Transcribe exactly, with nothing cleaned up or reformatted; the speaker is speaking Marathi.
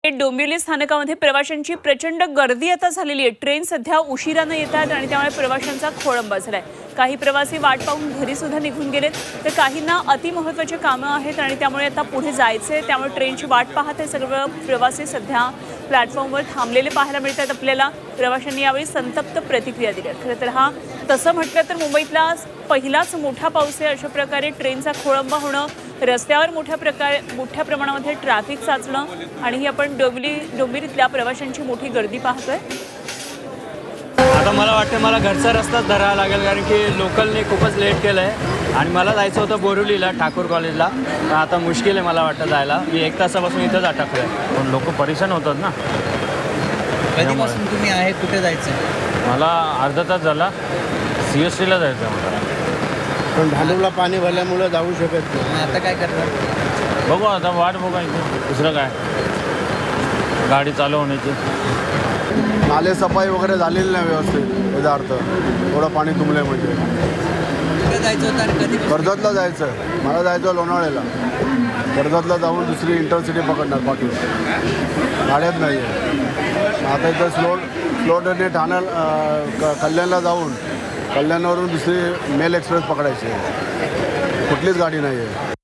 डोंबिवली स्थानकामध्ये प्रवाशांची प्रचंड गर्दी आता झालेली आहे। ट्रेन सध्या उशिराने येतात आणि त्यामुळे प्रवाशांचा खोळंबा झालाय। काही प्रवासी वाट पाहून घरी सुद्धा निघून गेलेत, तर काहींना अति महत्त्वाची कामं आहेत आणि त्यामुळे आता पुढे जायचंय, त्यामुळे ट्रेनची वाट पाहत हे सर्व प्रवासी सध्या प्लॅटफॉर्मवर थांबलेले पाहायला मिळतात आपल्याला। प्रवाशांनी यावेळी संतप्त प्रतिक्रिया दिल्या। खरं तर हा तसं म्हटलं तर मुंबईतला पहिलाच मोठा पाऊस आहे। अशा प्रकारे ट्रेनचा खोळंबा होणं, रस्त्यावर मोठ्या प्रकारे मोठ्या प्रमाणामध्ये ट्रॅफिक साचणं आणि ही आपण डोंबिवली डोंबिवलीतल्या प्रवाशांची मोठी गर्दी पाहतोय। आता मला वाटतं मला घरचा रस्ताच धरावा लागेल, कारण की लोकलने खूपच लेट केलं आहे आणि मला जायचं होतं बोरिवलीला ठाकूर कॉलेजला। तर आता मुश्किल आहे मला वाटतं जायला। मी एक तासापासून इथंच अटकलो आहे, पण लोक परेशान होतात ना। कधीपासून तुम्ही आहे, कुठे जायचं? मला अर्धा तास झाला सी एस टीला जायचं आहे मला, पण भांडूपला पाणी भरल्यामुळे जाऊ शकत नाही। आता काय करणार? बघू आता वाट बघायची, दुसरं काय गाडी चालू होण्याची। नाले सफाई वगैरे झालेली नाही व्यवस्थित, याचा अर्थ थोडं पाणी तुंबलं म्हणजे। कुठे जायचं होतं आणि कधी? कर्जतला जायचं, मला जायचं लोणावळ्याला। कर्जतला जाऊन दुसरी इंटरसिटी पकडणार, बाकी गाड्याच नाही आहे। आता इथं स्लो स्लो ट्रेनने ठाणा क कल्याणला जाऊन कल्याणावरून दुसरी मेल एक्सप्रेस पकडायची आहे, कुठलीच गाडी नाही आहे।